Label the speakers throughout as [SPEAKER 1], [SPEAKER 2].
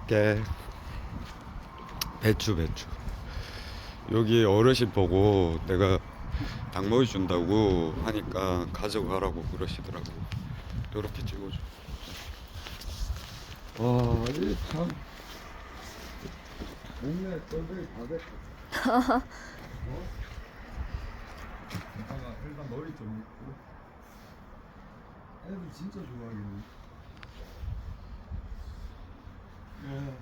[SPEAKER 1] 가져갈게. 배추. 여기 어르신 보고 내가 닭모이 준다고 하니까 가져가라고 그러시더라고. 이렇게 찍어줘. 와, 이 참. 동네 꼴뱅이 다 됐다. 어? 일단 머리 좀 있고. 애들 진짜 좋아하겠네. 예.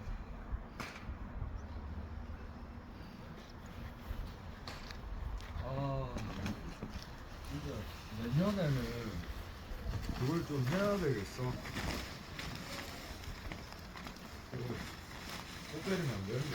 [SPEAKER 1] 아, 진짜 내년에는 그걸 좀 해야 되겠어. 못 때리면 안 되는데.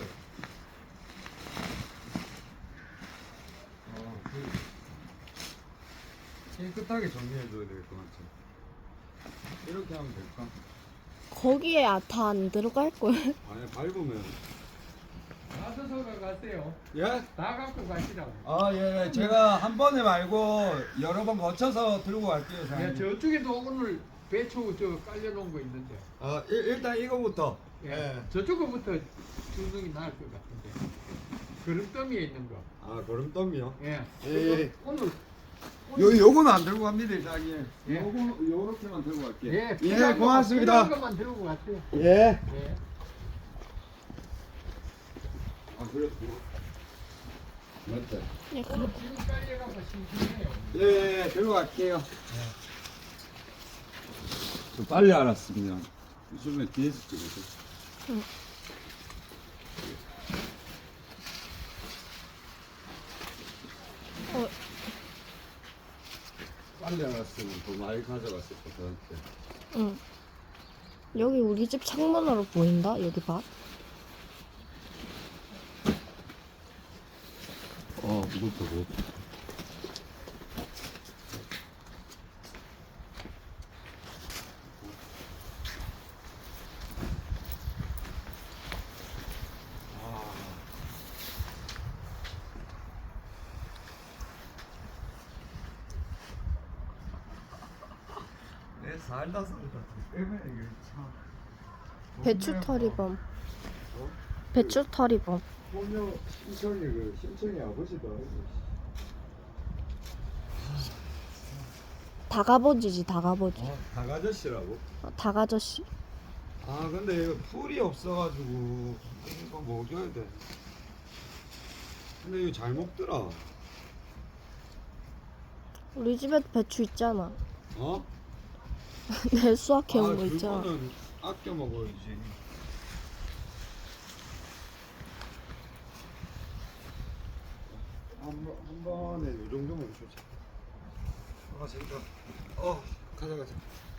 [SPEAKER 1] 깨끗하게 정리해줘야 될 것 같아. 이렇게 하면 될까?
[SPEAKER 2] 거기에 다 안 들어갈 걸.
[SPEAKER 1] 아니, 밟으면.
[SPEAKER 3] 나서서 가세요.
[SPEAKER 1] 예?
[SPEAKER 3] 다 갖고 가시라고.
[SPEAKER 1] 아, 예. 제가 한 번에 말고 여러 번 거쳐서 들고 갈게요,
[SPEAKER 3] 야,
[SPEAKER 1] 사장님.
[SPEAKER 3] 저쪽에도 오늘 배추 저 깔려놓은 거 있는데.
[SPEAKER 1] 아, 일단 이거부터.
[SPEAKER 3] 예. 저쪽부터 주는 게 나을 것 같은데. 그릇더미에 있는 거.
[SPEAKER 1] 아, 거름더미요?
[SPEAKER 3] 예.
[SPEAKER 1] 예.
[SPEAKER 3] 오늘
[SPEAKER 1] 요거는 안 들고 갑니다, 사장님.
[SPEAKER 3] 예.
[SPEAKER 1] 요렇게만 들고 갈게요.
[SPEAKER 3] 예.
[SPEAKER 1] 예, 고맙습니다.
[SPEAKER 3] 필요한 것만 들고 가세요.
[SPEAKER 1] 예.
[SPEAKER 3] 예.
[SPEAKER 1] 아, 그래. 맞다.
[SPEAKER 2] 예,
[SPEAKER 3] 오늘 지금 깔려가고 심심해요.
[SPEAKER 1] 예, 들고 갈게요. 저 빨리 알았습니다. 요즘에 뒤에서 찍어서.
[SPEAKER 2] 응. 어,
[SPEAKER 1] 빨리 알았으면 더 많이 가져갔을 것 같아.
[SPEAKER 2] 응. 여기 우리 집 창문으로 보인다. 여기 봐.
[SPEAKER 1] 무겁다, 무겁다. 내 살다 살다 때문에 이게 참.
[SPEAKER 2] 배추털이범. 배추털이범.
[SPEAKER 1] 소녀 신청이 아버지도.
[SPEAKER 2] 다가버지지 다가버지.
[SPEAKER 1] 닭아저씨라고?
[SPEAKER 2] 다가저씨.
[SPEAKER 1] 아, 근데 이거 풀이 없어가지고 이거 먹여야 돼. 근데 이거 잘 먹더라.
[SPEAKER 2] 우리 집에도 배추 있잖아.
[SPEAKER 1] 어?
[SPEAKER 2] 내 수확해온 거 있잖아.
[SPEAKER 1] 그거는 아껴 먹어야지. 한 번에 이 정도면 주자. 가자, 가져가자.